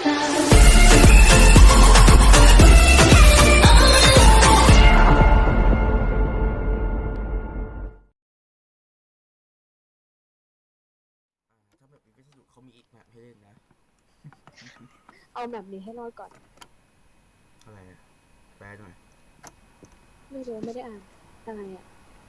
ถ้าแบบมีวิทยุเขามีอีกแบบให้เล่นนะเอาแบบนี้ให้รอดก่อนอะไรอะแปลหน่อยไม่รู้ไม่ได้อ่านอะไรอ่ะ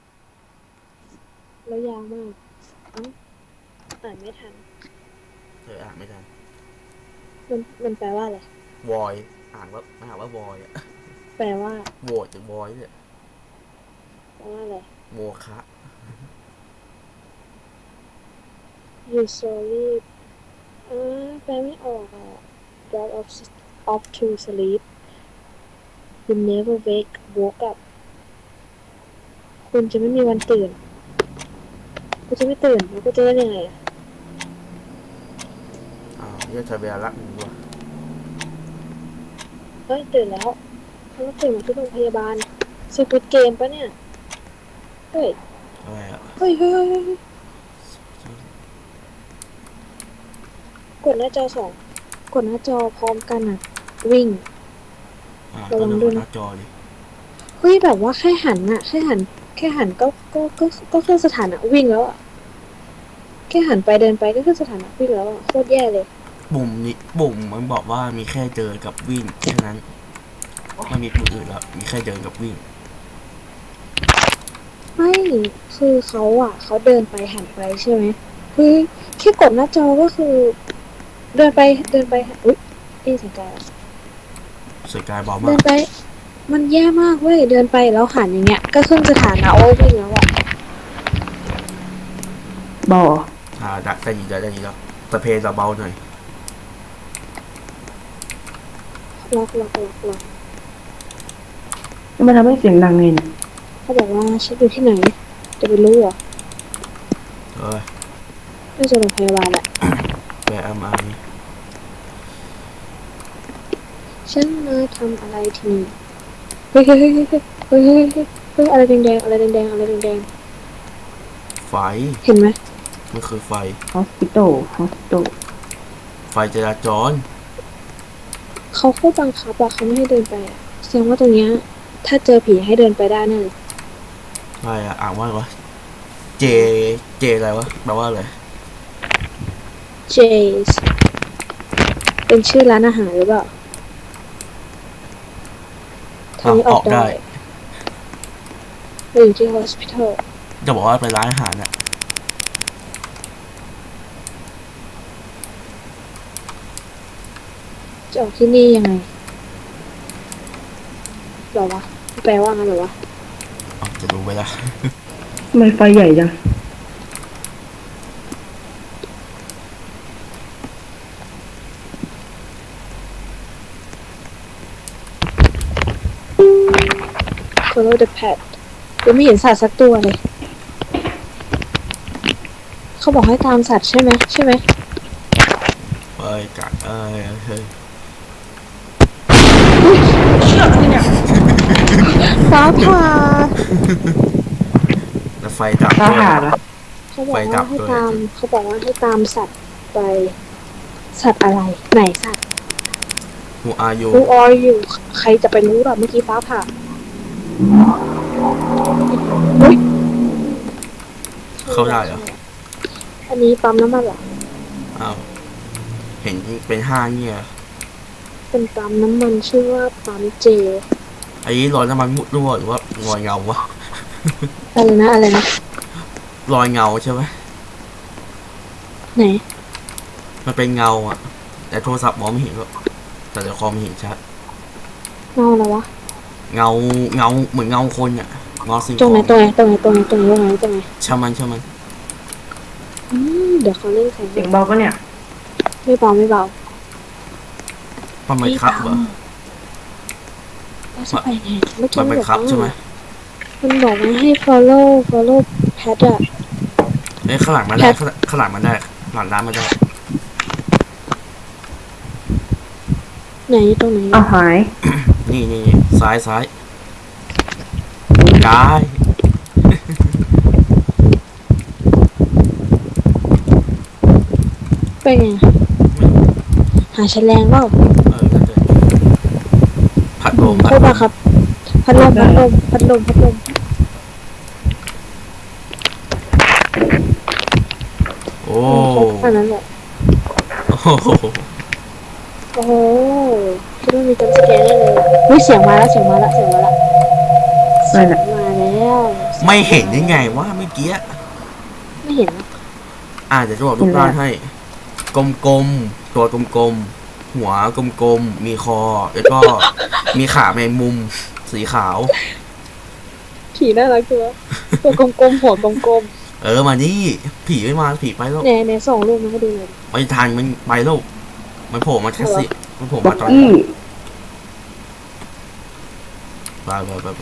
แล้วยาวมากอ่านไม่ทันเธออ่านไม่ทันมันแปลว่าอะไรวอยอ่านว่าวอยอะแปลว่าโหวตหรือวอยเนี่ยแปลว่าอะไรโมคะ usually แปลไม่ออกอ่ะ drop off to sleep you never woke up คุณจะไม่มีวันตื่นคุณจะไม่ตื่นแล้วก็จะเล่นยังไงอ่ะอ้าวเนี่ยเธอเวลารักมึงวะเฮ้ยตื่นแล้วเขาต้องตื่นมาที่โรงพยาบาลสควิดเกมปะเนี่ยเฮ้ยอะไรอะเฮ้ยกดหน้าจอสองกดหน้าจอพร้อมกันอ่ะวิ่งก็ดูบนหน้าจอดิเฮ้ยแบบว่าแค่หันก็ขึ้นสถานะวิ่งแล้วอ่ะแค่หันไปเดินไปก็ขึ้นสถานะวิ่งแล้วอ่ะโคตรแย่เลยปุ่มมันบอกว่ามีแค่เดินกับวิ่งแค่นั้นไม่มีปุ่มอื่นแล้วมีแค่เดินกับวิ่งไม่คือเขาเดินไปหันไปใช่ไหมคือแค่กดหน้าจอก็คือ เดินไปอุ๊ยสังกายสกายเบาเดิมากนไปมันแย่มากเว้ยเดินไปแล้วหันอย่างเงี้ยก็ขึ้นสถานะว่าวิ่งแล้วอ่ะบ่อได้ยินแล้วแต่เพลงเราเบาหน่อยล็อกแล้วมันทำให้เสียงดังไงเนี่ยเขาบอกว่าฉันอยู่ที่ไหนจะไปรู้เหรอเอ้ยน่าจะโรงพยาบาลแหละแปลไอฉันมาทำอะไรที่นี่เฮ้ยอะไรแดงอะไรแดงไฟเห็นไหมมันคือไฟฮอสพิโตไฟจราจรเขาโคตรบังคับอะเขาไม่ให้เดินไปอะแสดงว่าตรงเนี้ยถ้าเจอผีให้เดินไปได้แน่เลยอะไรอะอ่านว่าอะไรวะเจอะไรวะแปลว่าอะไร J's เป็นชื่อร้านอาหารหรือเปล่าทางนี้ออกได้เราอยู่ที่ hospital จะบอกว่าไปร้านอาหารอะจะออกที่นี่ยังไงหรอวะแปลว่าไงหรอวะจะดูไปละทำไมไฟใหญ่จัง follow the path ยังไม่เห็นสัตว์สักตัวเลยเขาบอกให้ตามสัตว์ใช่ไหมเอ้ยกัดเอ้ยเฮ้ยฟ้าผ่าแล้วไฟดับฟ้าด้วยผ่าเหรอเขาบอกว่าให้ตามสัตว์ไปสัตว์อะไรไหนสัตว์ Who are you Who are you ใครจะไปรู้หรอเมื่อกี้ฟ้าผ่าอุ๊ยเข้าได้เหรออันนี้ปั๊มน้ำมันเหรออ้าวเห็นเป็นห้างเนี่ยเป็นปั๊มน้ำมันชื่อว่าปั๊มเจไอ้รอยน้ำมันมุดรั่วหรือว่ารอยเงาวะอะไรนะรอยเงาใช่ไหมไหนมันเป็นเงาอะแต่โทรศัพท์มองไม่เห็นหรอกแต่ในคอมเห็นชัดเงาอะไรวะเงาเหมือนเงาคนอะเงาสิ่งตรงไหนของตรงไหนช่างมันเดี๋ยวเขาเล่นใส่เสียงเบาปะเนี่ยไม่เบามันไม่ครับเหรอเราจะไปไงเมื่อกี้มันมันเป็นบอกครับใช่ไหมว่ามันบอกว่าให้ follow path อะเอ้ยข้างหลังมันได้ข้างหลังมันได้หลังร้านมันได้ไหนตรงไหนเอาหายนี่ซ้ายย้ายไปไงหาแฉลงเปล่าน่าจะพัดลมโคตรบ้าครับพัดลมโอ้ครบแค่นั้นแหละโหโอ้โหคิดว่ามีจำสแกนได้เลยวิเสียงมาแล้วอะไรน่ะมาแล้วไม่เห็นยังไงว่าเมื่อกี้ไม่เห็นนะเดี๋ยวจะบอกรูปร่างให้ กลมๆ ตัวกลมๆ หัวกลมๆ มีคอ แล้วก็มีขาแมงมุม สีขาวผีน่ารักจังวะตัวกลมๆหัวกลมมานี่ ผีไม่มาผีไปแล้วๆไหนส่งรูปมาให้ดูหน่อยไม่ทันมันไปแล้วมันโผล่มาแค่สิมันโผล่บ็อมาก ตอนกี้ไป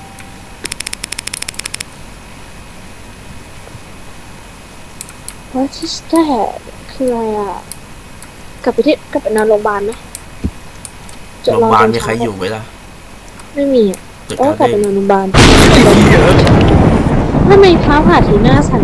What is that คืออะไรอ่ะกลับไปนอนโรงพยาบาลไหมโรงพยาบาลมีใครอยู่ไหมล่ะไม่มีอ่ะตึกต้องกลับเด้ไปนอนโรงพยาบาลเยอะทำไมฟ้าผ่าทีหน้าสั่น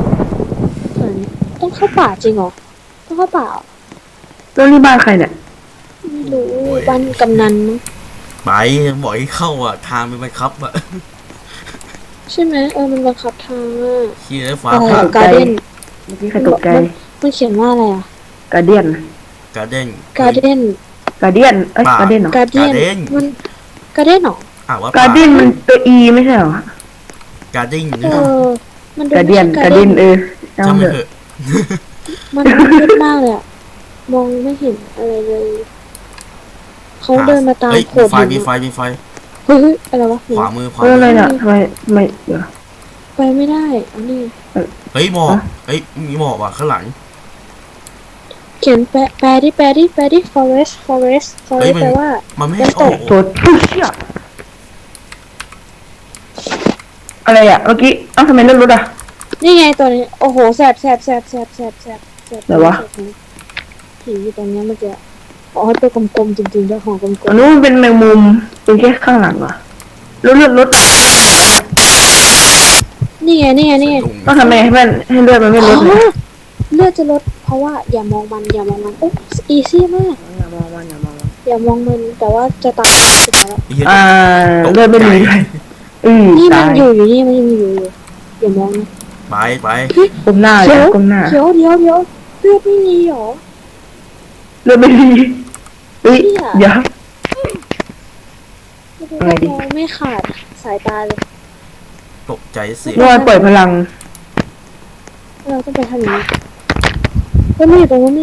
ต้องเข้าป่าจริงเหรอต้องเข้าป่าเหรอแล้วนี่บ้านใครเนี่ยไม่รู้บ้านกำนันมั้งไปบอกให้เข้าทางมันไปครับใช่ไหมมันบังคับทางอ่ะเฮียฟ้าอะไรผ่าการ์เด้นเมื่อกี้ใครตกใจมันเขียนว่าอะไรอ่ะการเดียนการ์เด้นการ์เด้นการเดียนเอ้ยการเดียนเหรอการ์เด้นมันการ์เด้นเหรอว่าการเดียนมันตัวอีไม่ใช่เหรอการ์เด้นมันดูการเดียนไม่ใช่การเดียนจำจำเถไม่อะเถอะมันมืดมากเลยอะมองไม่เห็นอะไรเลยเขาเดินมาตามเฮ้ยโขมีดไฟหินมีไฟมีไฟเฮ้ยอะไรวะขวามือเอออะไรน่ะทำไมไม่เดี๋ยวไปไม่ได้อันนี้เฮ้ยหมอกเฮ้ยมีหมอกข้างหลังเขียนแปลดิ forest แปลว่ามันไม่ให้ออกตัวตุ๊เชี่ยอะไรอ่ะเมื่อกี้เอ้าทำไมเลื่อนรถอ่ะนี่ไงตัวนี้โอ้โหแสบไหนวะผีอยู่ตรงเนี้ยเมื่อกี้อ๋อตัวกลมๆจริงๆเจ้าของกลมอันนู้นมันเป็นแมงมุมเป็นแค่ข้างหลังอ่ะแล้วเลื่อนรถๆนี่ไงต้องทำไงให้มันให้เลือดมันไม่ลดเลยเลือดจะลดเพราะว่าอย่ามองมันโอ้อีซี่มากอย่ามองมันอย่ามองมันอย่ามองมันแต่ว่าจะตายสุดท้ายแล้วเลือดไม่มีด้วยนี่มัตาน ยอยู่นี่มันยังอยู่อย่ามองนะไปก้มหน้าเลยก้มหน้าเดี๋ยวเลือดไม่มีหรอเลือดไม่ดีเฮ้ยเดี๋ยว อะไรดิมองไม่ขาดสายตาเลยตกใจเสียเมื่อวานปล่อยพลังเราต้องไปทางนี้ไม่อยู่ตรงนู้น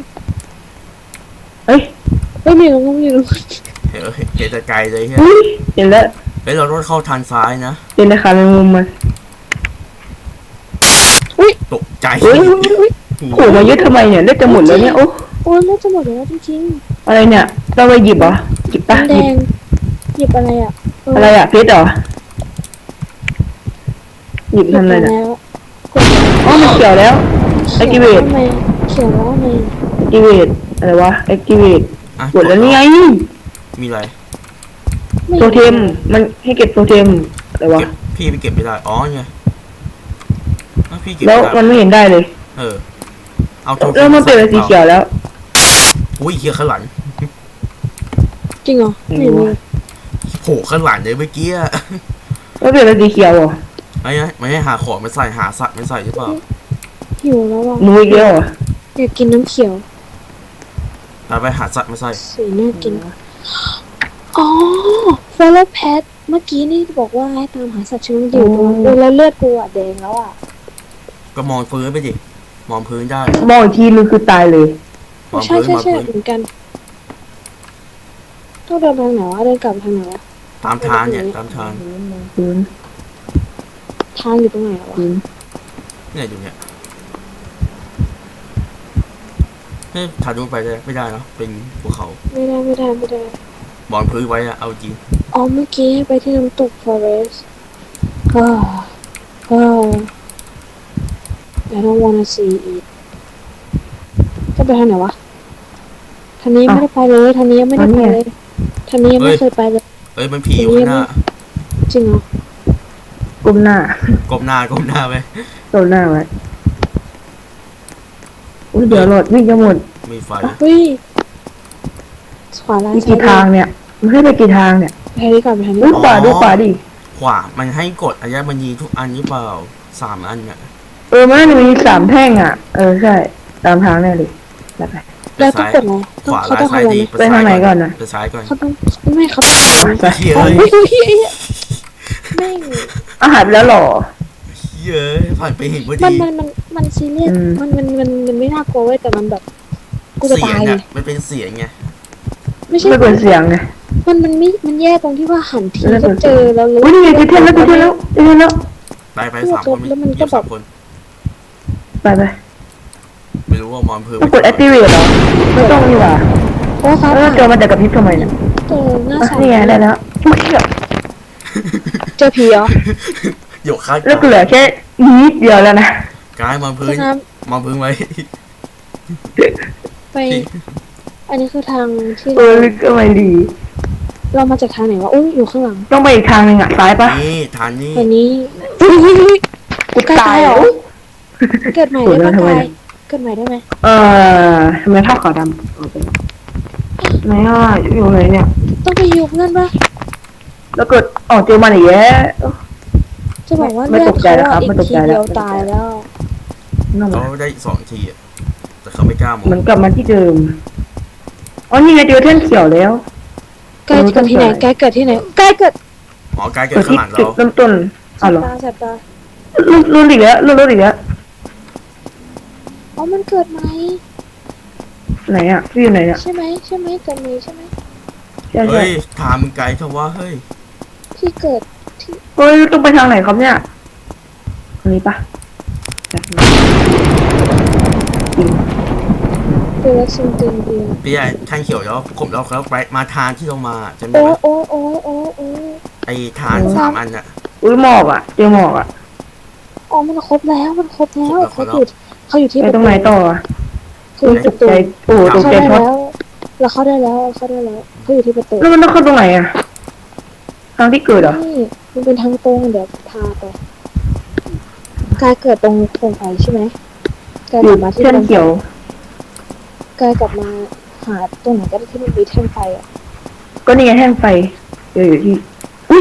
เฮ้ยไม่อยู่ตรงนู้นเห็นแต่ไกลเลยเฮ้ยเฮ้ยเห็นแล้วเฮ้ยเราต้องเข้าทางซ้ายนะเห็นในขาแมงมุมมันตกใจเฮ้ยโผล่มาเยอะทำไมเนี่ยเลือดจะหมดแล้วเนี่ยโอ้โอ้ยเลือดจะหมดแล้วจริงอะไรเนี่ยเราไปหยิบเหรอหยิบๆปะแดหยิบงหยิบอะไรอ่ะอะไรอ่ะเพชรเหรอหยิบทำอะไรเนี่ยแล้วอ๋อมันเขียวแล้ว activate เขียวแล้วไง activate อะไรวะ activate กดแล้วนี่ไงมีอะไรโทเทมมันให้เก็บโทเทมอะไรวะเก็บพี่ไปเก็บไม่ได้ไงพี่เก็บแล้วมันไม่เห็นได้เลยเอาโทรแล้วมันเปลี่ยนเป็นสีเขียวแล้วอุ้ยเฮียข้างหลังจริงเหรอไม่รู้โผล่ข้างหลังเลยเมื่อกี้แล้วเปลี่ยนเป็นสีเขียวเหรอไม่ให้หาของมาใส่หาสัตว์มาใส่หรือเปล่าหิวแล้วอ่ะหนูอีกแล้วเหรออยากกินน้ำเขียวไปหาสัตว์มาใส่สีน่ากินอ๋อ follow pet เมื่อกี้นี่บอกว่าให้ตามหาสัตว์ชนิดอยู่ตรงนั้นแล้วเลือดกูอ่ะแดงแล้วอ่ะก็มองพื้นไปดิมองพื้นได้มองอีกทีนึงคือตายเลยมองใช่พื้นมองพื้นเหมือนกันต้องเดินทางไหนวะเดินกลับทางไหนวะตามทางเนี่ยตามทางพื้นทางอยู่ตรงไหนวะพื้นเนี่ยอยู่เนี่ยถ่ายรูปไปได้ไม่ได้เนาะเป็นภูเขาไม่ได้มองพื้นไว้เอาจริงอ๋อเมื่อกี้ไปที่น้ำตก forest ก็ I don't wanna see it จะไปทางไหนวะทางนี้ไม่ได้ไปเลยทางนี้ยังไม่ได้ไปเลยทางนี้ยังไม่เคยไปเลยมันผีอยู่ข้างหน้าจริงเหรอก้มหน้าก้มหน้าไปก้มหน้าไว้อุ้ยเดี๋ยวหลอดวิ่งจะหมดมีไฟเฮ้ยขวาล่างมีกี่ทางเนี่ยมันให้ไปกี่ทางเนี่ยไปทางนี้ก่อนไปทางนี้ดูก่อนขวาดิขวามันให้กดอัญมณีทุกอันหรือเปล่า3 อันเนี่ยมันมี3 แท่งอ่ะใช่ตามทางแน่เลยแล้วไปแล้วต้องกดอะไรขวาเขาล่างต้องซ้ายทำอะไรดีไปทางไหนก่อนนะไปซ้ายก่อนเขาต้องไม่เขาไปเฮ้ยโอ้ยแม่งอาหารไปแล้วเหรอเย้ยผ่านไปเห็นพอมัดีนซีเรียสอืมมันไม่น่ากลัวเว้ยแต่มันแบบกูจะเสียตาง ยเนี่ยมันเป็นเสียงไงไม่ใช่ไม่เปิดเสียงไงมันแย่ตรงที่ว่าหันทีไม่เปิก็ดเสีเจยงอแล้วรู้อุ้ยนี่ไงเจอแล้วไป3 คนแล้วมันก็อยู่แบบ 3 คนไปไม่รู้ว่ามอนเพิ่มต้องกด activate เหรอไม่ต้องนี่หว่าโอ้ฟ้าแล้วผ่าเจอมันแต่กับพริบทำไมเนี่ยเจอหน้าใสนี่ไงได้แล้วเมื่อกี้แบบเจอผีเหรอหยกข้างแล้วก็เหลือแค่นิดเดียวแล้วนะกายมอนพื้นน้มอนพื้นไว้ำไป อันนี้คือทางที่ก็ไม่ดีเรามาจากทางไหนวะอุ้ยอยู่ข้างหลังต้องไปอีกทางหนึ่งอ่ะซ้ายปะนี่ทานนี่วันนี้กูตายเหรแล้อวเกิดใหม่ได้ปะทำไมกาเนี่ยยเกิดใหม่ได้ไหมทำไมเท่าขาวดำไหนอ่ะอยู่ไหนเนี่ยต้องไปยุบนั่นปะแล้วเกิดเจอมันอีกแล้วจะบอกว่าไม่เลือตดกใจเขาแล้วครับอะอีไม่กตกทีใจแล้วเดียวตายแล้วนั่นเขาแหละได้2 ทีอะแต่เขาไม่กล้ามองมันกลับมาที่เดิมนี่ไงเจอแท่นเขียวแล้วกายเกิดที่ไหนกายเกิดที่ไหนกายเกิดอ๋อกายเกิเกิดดข้างที่หลังจุดเราเริ่มต้นเหรอตาแสบตารุ่นอีกแล้วรุ่นอีกแล้วอ๋อมันเกิดไหมไหนอ่ะพี่อยู่ไหนเนี่ยใช่ไหมใช่ไหมเกิดไหมใช่ไหมใช่ใช่เฮ้ยถามมึงไกลเถอะว่าเฮ้ยพี่เกิดที่เฮ้ยต้องไปทางไหนครับเนี่ยทางนี้ปะแบบนี้จริงเกิดซิงติงเดียวพี่ใหญ่ทางเขียวแล้วผมเราเขาไปมาทางที่เรามาจำได้โอ้ไหมโอ้โอ้โอ้โอ้ไอ้ทาง3 อันอะอุ้ยหมอกอ่ะเจอหมอกอ่ะอ๋อมันครบแล้วมันครบแล้วเขาอยู่ที่ไปตรงไหนต่ออ่ะเขาอยู่ตประกตูใจโอ้ตกเข้าใจได้ช็อตแล้วเราเข้าได้แล้วเข้าได้แล้วเขาอยู่ที่ประตูแล้วมันต้องเข้าตรงไหนอ่ะทางที่เกิดเหรอนี่มันเป็นทางตรงเดี๋ยวพาไปกายเกิดตรงโคมไฟใช่ไหมกายอกลัยู่บมาที่แท่นโคมไฟเขียวกายกลับมาหาตรงไหนก็ได้ที่มันมีแท่งไฟอ่ะก็นี่ไงแท่งไฟเดี๋ยวอยู่ที่อุ้ย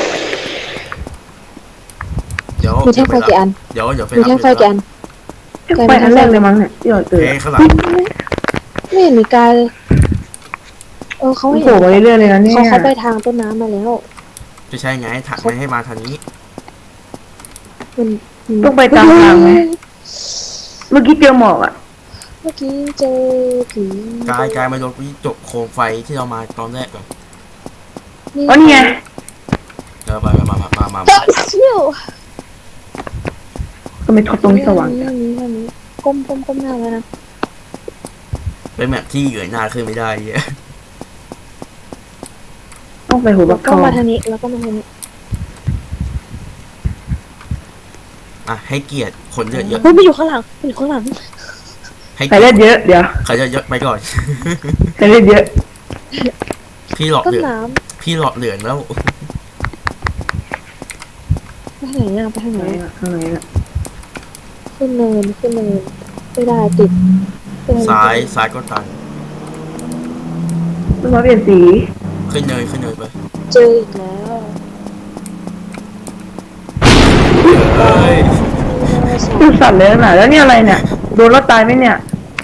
เดี๋ยวมีแท่งไฟกี่อันเดี๋ยวไปมีรับแท่งไฟกี่อันแท่งไฟอันแรกเลยมั้งเนี่ยที่เราเจอเฮ้ยข้างหลังไม่เห็นมีกายเลยเขามันเห็โผล่นมาเรื่อยๆเลยนะเนี่ยเขาไปทางต้นน้ำมาแล้วจะใช่ไงถักไม่ให้มาทางนี้มันต้องไปตามทางไหมเมื่อกี้เจอหมอกอ่ะเมื่อกี้เจอผีกายมาโดนวิจกโคมไฟที่เรามาตอนแรกก่อนอ๋อนี่ไงเดี๋ยวไปมาเชี่ยวก็ไม่ทอดตรงที่สว่างจังนี้ก้มหน้าแล้วนะเป็นแบบที่เงยหน้าขึ้นไม่ได้เหี้ยต้องไปหัวแล้บัวกก็ทองมาทางนี้แล้วก็มาทางนี้อ่ะให้เกียรติคนเยอะเฮ้ยมันอยู่ข้างหลังมันอยู่ข้างหลังๆให้ใส่เลือดเยอะเดี๋ยวใครเยอะๆไปก่อนใส่เลือดเยอะพี่หลอดต้นเหลืองน้พี่หลอดเหลืองแล้วำไปทางไหนอ่ะไปทางไหนข้างในอ่ะขึ้นเนินไม่ได้ติดซ้ายก็ตันต้องมาเปลี่ยนสีขึ้นเนยไปเจออีกแล้วเอ้ยดูสั่นเลยนะแล้วนี่อะไรเนี่ยโดนรถตายไหมเนี่ย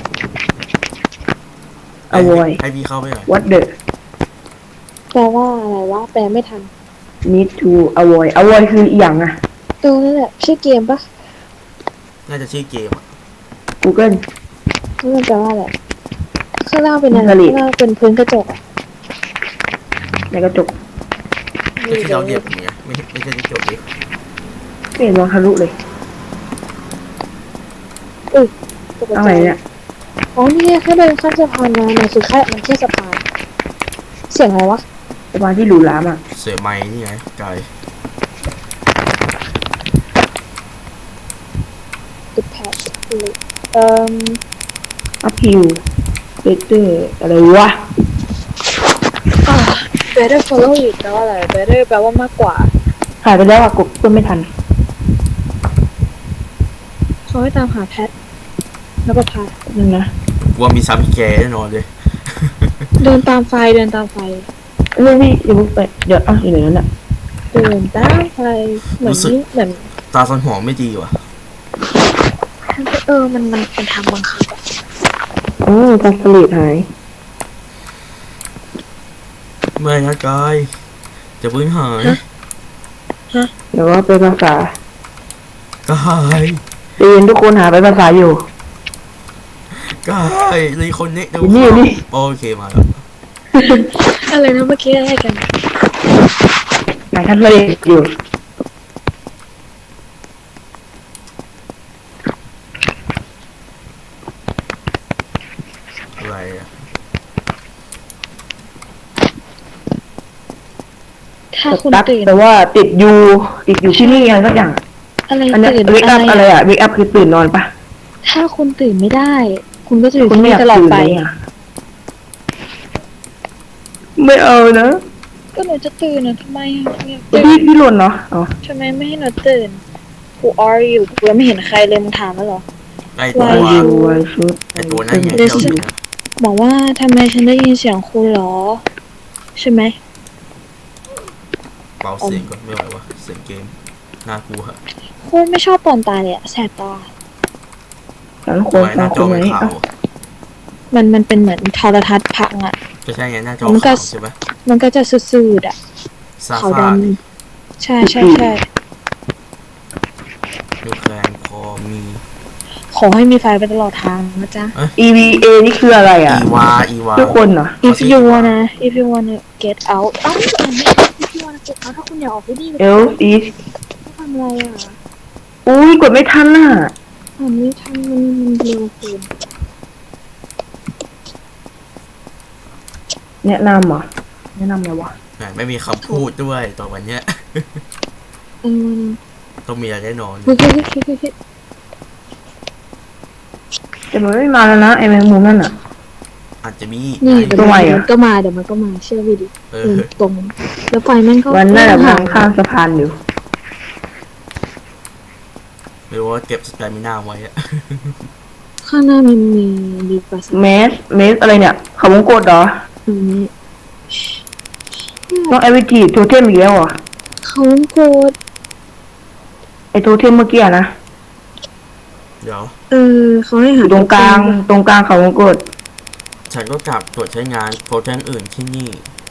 avoid ให้พี่เข้าไปหน่อย what the แปลว่าอะไรวะแปลไม่ทัน need to avoid คืออีหยังอ่ะนั่นแหละชื่อเกมปะน่าจะชื่อเกมอะ Google นั่นมันแปลว่าอะไรข้างล่างเป็นอะไรผลิตข้างล่างเป็นพื้นกระจกอ่ะในกระจกไม่ใช่เราเหยียบอย่างเงี้ยไม่ใช่ที่จบดิไม่เห็นมองทะลุเลยตกใจอะไรเนี่ยอ๋อนี่แค่เดินข้ามสะพานมามันคือมันแค่สะพานเสียงอะไรวะประมาณที่หรูหรามอ่ะเสือไม้นี่ไงไกลติดแพช uphill better อะไรวะ better follow it แปลว่าอะไร better แปลว่ามากกว่าหายไปแล้วอ่ะกดก็ไม่ทันเขาให้ตามหาแพทแล้วก็พานั่นนะว่ามีซ้ำอีกแกแน่นอนเลยเดินตามไฟเดินตามไฟไม่พี่อย่าเพิ่งไปเดี๋ยวอยู่ไหนนั่นแหละเดินตามไฟเหมือนนี่เหมือนตาสันหอมไม่ดีว่ะมันทำบังคับอะตาสลิดหายไม่นะกายจะพื้นหายเดี๋ยวว่าไปภาษากายเรียนทุกคนหาไปภาษาอยู่กายรีคนนี้เดี๋ยวอยู่นี่โอเคมาแล้วอะไรนะเมื่อกี้อะไรกันไหนท่านเรียนอยู่อะไรอ่ะถ้าคุณตักตื่นแต่ว่าติดอยู่ที่นี่อะไรสักอย่างอะไรอันเนี้ตื่นเวกอัพอะไรอะเวกอัพคือตื่นนอนปะถ้าคุณตื่นไม่ได้ คุณก็จะอยู่คุณที่ไม่อนี่ยากตลอดตื่นไปเลยอะไม่เอานะก็หนูจะตื่นนะทำไมอะเนี่ยพี่หล่นเนาะอ๋อทำไมไม่ให้หนูตื่น Who are you กูยังไม่เห็นใครเลยมึงถามแล้วเหรอไอตัว Why ไอ you ยูไอชุดไอตัวนั่นไงเดี๋ยวเจ้าอยู่นะบอกว่าทำไมฉันได้ยินเสียงคุณเหรอ ใช่ไหมเบาเสียงก่อนไม่ไหววะเสียงเกมน่ากลัวโคตรไม่ชอบตอนตายเลยอะแสบตาฉันคทำนไมหฟัน้าง จคอนไหมเป็นขาวมันเป็นเหมือนโทรทัศน์พังอะก็ใช่ไงหน้าจอมันก็ขาวใช่ไหมมันก็จะสืดๆอะซาขาวฟาดำใช่ใช่ใช่ดูแคลงพอมีขอให้มีไฟไปตลอดทางนะจ๊ะ EVA นี่คืออะไรอ่ะอีวาทุกคนเหรอ if you wanna get out อ้าวif you wanna get out ถ้าคุณอยากออกไปดี L is ทำอะไรอ่ะอุ้ยกดไม่ทันน่ะอันนี้ทำมันเร็วเกินแนะนำเหรอแนะนำไงวะแหมไม่มีคำพูดด้วยต่อวันเนี้ยเออต้องมีอะไรแน่นอนเฮ้ยแต่มันไม่มาแล้วนะไอแมงมุมนั่นอ่ะอาจจะมีนี่ไงเดี๋ยวมันก็มาเดี๋ยวมันก็มาเชื่อพี่ดิเอเดิอนตรง แล้วไฟแม่งก็วันนั้นแบบหาทางข้ามสะพานอยู่ไม่รู้ว่าเก็บสแตมิน่าไว้อะข้างหน้ามีปราสาทเมสอะไรเนี่ยเขาวงกดเหรอตรงนี้ต้องไอวิจีโทเทมอีกแล้วเหรอเขาโกดไอโทเทมเมื่อกี้อะนะเดี๋ยวเขาให้อหายู่ตรงกลางเขาวงกดฉันก็กลับตรวจใช้งานโปรแกรมอื่นที่นี่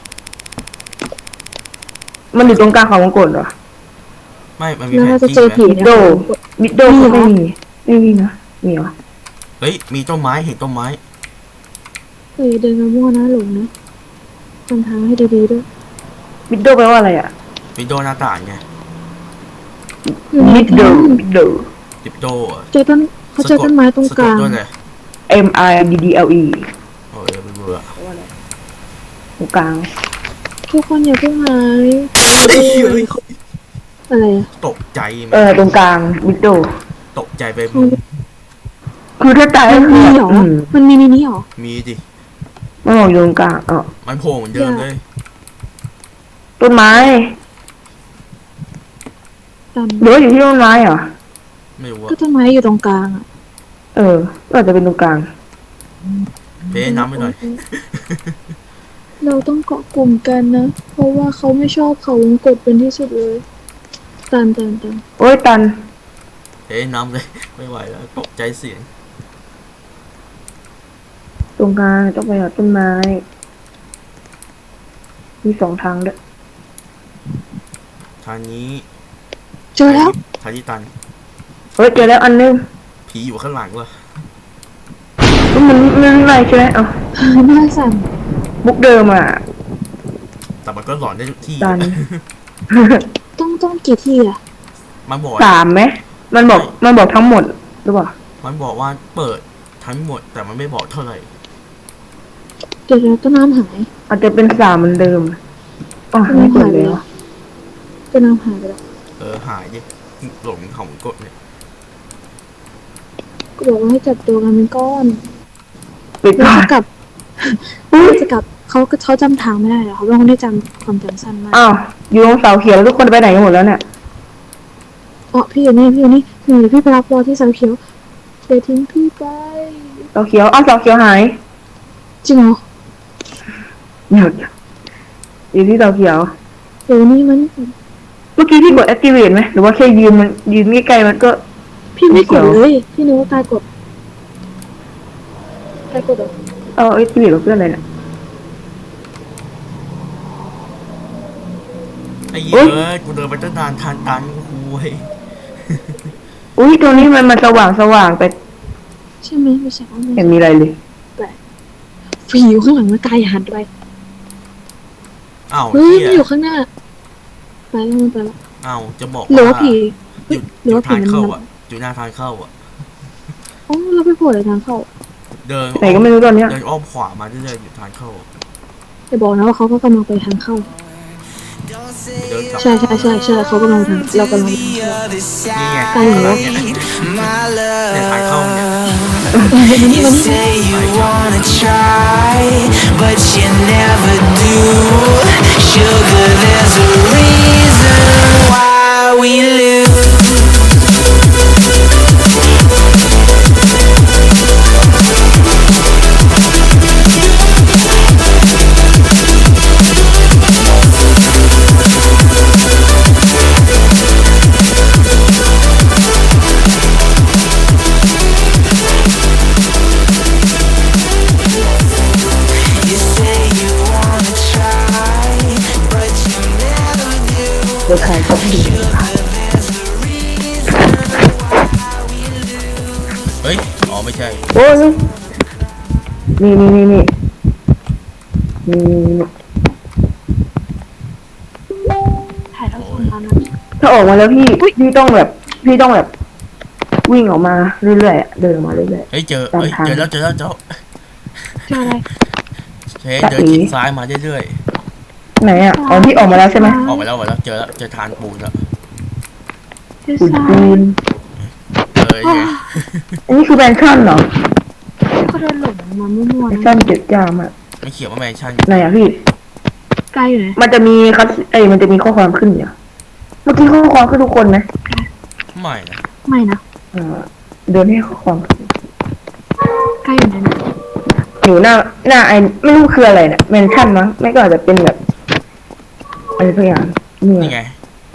มันอยู่ตรงกลางเขาวงกดเหรอไม่มันมีแล้วแผเรานจะที่เจอไหมผีมิดนะโดคะมิดโดก็ไม่มีไม่มีนะมีเหรอเฮ้ยมีต้นไม้เห็นต้นไม้เฮ้ยเดินมามั่วนะหลงนะทำทางให้ดีๆด้วยมิดโดแปลว่าอะไรอ่ะวินโดว์หน้าต่างไงมิดโดดิปโดอะเจอต้นเขาเจอต้นไม้ตรงกลางสะดด้วยเลย M I D D L E โอ้ยไม่เบื่อตรงกลางทุกคนอย่าเพิ่งหายเฮ้ยอะไรอะตกใจไหมตรงกลางมิดโดตกใจไปมึงคือถ้าตายมัก็นคืมีอเหรอ มันมีในนี้เหรอมีดิมันบอกอยู่ตรงกลางมันโผล่เหมือนเดิมเลยต้นไม้ตามหรือว่าอยู่ที่ต้นไม้เหรอไม่รู้ก็ว่าต้นไม้อยู่ตรงกลางอะก็อาจจะเป็นตรงกลางเป๊ะน้ำไปหน่อยเราต้องเกาะกลุ่มกันนะ เพราะว่าเขาไม่ชอบเขาวงกดเป็นที่สุดเลยตันโอ้ยตันเป๊ะน้ำเลย ไม่ไหวแล้วตกใจเสียงตรงกลางต้องไปหาต้นไม้ มีสองทางด้วยทางนี้เจอแล้วทางที่ตันเฮ้ยเจอแล้วอันนึงผีอยู่ข้างหลังว่ะมันอะไรใช่ไหมหน้าสั่นบุ๊กเดิมอ่ะแต่มันก็หลอนได้ทุกที่ตันต้องกี่ที่อะมันบอกสามไหมมันบอกทั้งหมดหรือเปล่ามันบอกว่าเปิดทั้งหมด แต่มันไม่บอกเท่าไหร่เดี๋ยวต้นน้ำหายอาจจะเป็นสามเหมือนเดิมไม่กดแล้วต้นน้ำหายไปแล้วหายดิหลงของกดเนี่ยก็บอกว่าให้จับตัวกันเป็นก้อนปิดแล้วก่อนจะกลับจะกลับเขาจำทางไม่ได้เหรอเขาเป็นคนที่จำความจำสั้นมากอ้าวอยู่ตรงเสาเขียวแล้วทุกคนไปไหนกันหมดแล้วเนี่ยอ๋อพี่อยู่นี่เดี๋ยวพี่ไปรับรอที่เสาเขียวเดี๋ยวทิ้งพี่ไปเสาเขียวเสาเขียวหายจริงเหรอเดี๋ยวอยู่ที่เตาเขียวเดี๋ยวนี้มันเมื่อกี้พี่กด activate ไหมหรือว่าแค่ยืนใกล้ๆมันก็พี่ไม่กดเดี๋ยวเลยพี่นึกว่าตายกดตายกดเหรอเอา activate กับเพื่อนอะไรน่ะไอ้เหี้อุ๊ยยกูเดินไปตั้งนานทานตันกูเว้ยอุ้ยตรงนี้มันสว่างไปใช่ไหมไม่ใช่อ๋อไม่ไม่เห็ใช่นมีอะไรเลยผีอยู่ข้างหลังมันกายหันไปอ้าวเฮ้ยเหี้มันอยู่ข้างหน้าไปแล้วมันไปแล้วอ้าวจะบอกหรือว่าผีอยู่หรือว่าผีทางมันเข้ามันอ่ะอยู่หน้าทางเข้าอ่ะอ๋อเราไปโผล่ในทางเข้าเดินไหนก็ไม่รู้ตอนเนี้ยเดินอ้อมขวามาเรื่อยๆอยู่ทางเข้าจะบอกนะว่าเขาก็กำลังไปทางเข้าเดินกลับใช่เขากำลังทางเรากำลังไปทางเข้านี่ไงใกล้อยู่ข้างหลังเนี่ยเนี่ยทางเข้าเนี่ย You say you wanna try, but you never do. Sugar, there's a reason why we lose. You say you wanna try, but you never do. เดี๋ยวใครก็ดีเฮ้ยอ๋อไม่ใช่โอ้ยนี่นี่ถ่ายทอดสดมานะถ้าออกมาแล้วพี่ต้องแบบวิ่งออกมาเรื่อยๆอะเดินออกมาเรื่อยเฮ้ยเจอตามเฮ้ยทางเจอแล้วเจออะไรเฮ้ยเดินชิดซ้ายมาเรื่อยๆไหนอ่ะอ๋อพี่ออกมาแล้วใช่ไหมๆออกไปแล้วเจอแล้วเจอทานปูนแล้วเจออุดทรายปูนไงอันนี้คือแบนชั่นเหรอเขาเดินหลงมามั่วแบๆนนะชั่น7 จามอ่ะไม่เขียนว่าแมนชั่นไหนอ่ะพี่ไกลอยู่ไหนมันจะมีมันจะมีข้อความขึ้นอยู่เมื่อกี้ข้อความขึ้นทุกคนไหมไม่นะไม่นะเดินให้ข้อความขึ้นไกลอยู่ไหนนะอยู่หน้าไอไม่รู้คืออะไรเนี่ยแมนชั่นมั้งไม่ก็อาจจะเป็นแบบอะไรสักอย่างนี่นี่ไงไง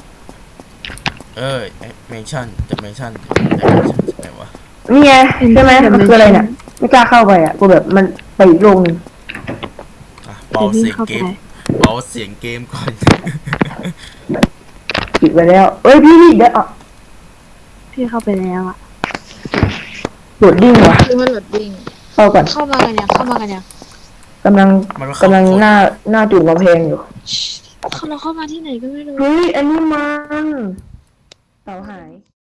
แมนชั่นจะแมนชั่นไหนวะนี่ไงใช่ไหมมันคืออะไรเนี่ยไม่กล้าเข้าไปอ่ะกูแบบมันไปอีกโลกนึงอ่ะเบาเดี๋ยวเสีพี่ยงเข้าเกไปมเบาเสียงเกมก่อนปิดไปแล้วเอ้ยพี่เดี๋ยวอ่ะพี่เข้าไปแล้วอะโหลดดิ้งว่ะคือมันหลดดิ้งเข้าก่อนเข้ามากันยังกำลังมันว่าเข้ากำลังหน้าจุดกำแพงอยู่เราเข้ามาที่ไหนก็ไม่รู้เฮ้ยอันนี้มันเต่าหาย